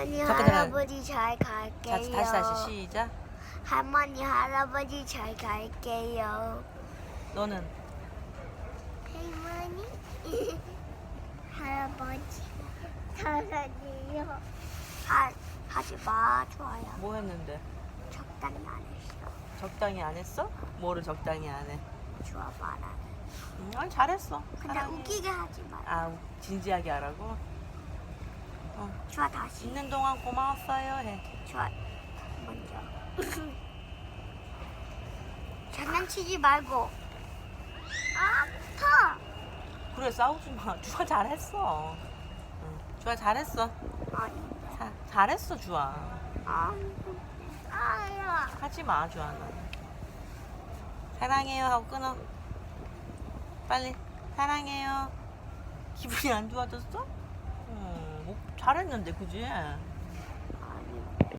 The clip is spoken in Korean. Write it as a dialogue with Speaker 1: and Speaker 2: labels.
Speaker 1: 할머니
Speaker 2: 잠깐.
Speaker 1: 할아버지 잘 갈게요.
Speaker 2: 다시 시작.
Speaker 1: 할머니 할아버지 잘 갈게요.
Speaker 2: 너는
Speaker 1: 할머니 할아버지 사랑해요. 하지 마. 좋아요.
Speaker 2: 뭐 했는데?
Speaker 1: 적당히 안 했어.
Speaker 2: 적당히 안 했어? 뭐를 적당히 안 해?
Speaker 1: 좋아 말아.
Speaker 2: 아니 잘했어.
Speaker 1: 근데
Speaker 2: 사랑해.
Speaker 1: 웃기게 하지 마.
Speaker 2: 진지하게 하라고?
Speaker 1: 좋아 다시.
Speaker 2: 있는 동안 고마웠어요 해.
Speaker 1: 좋아 먼저. 장난치지 말고. 아파.
Speaker 2: 그래 싸우지 마. 주아 잘했어. 주아 잘했어.
Speaker 1: 아니.
Speaker 2: 잘했어 주아.
Speaker 1: 아야.
Speaker 2: 하지 마 주아는. 사랑해요 하고 끊어. 빨리 사랑해요. 기분이 안 좋아졌어? 잘했는데 그지?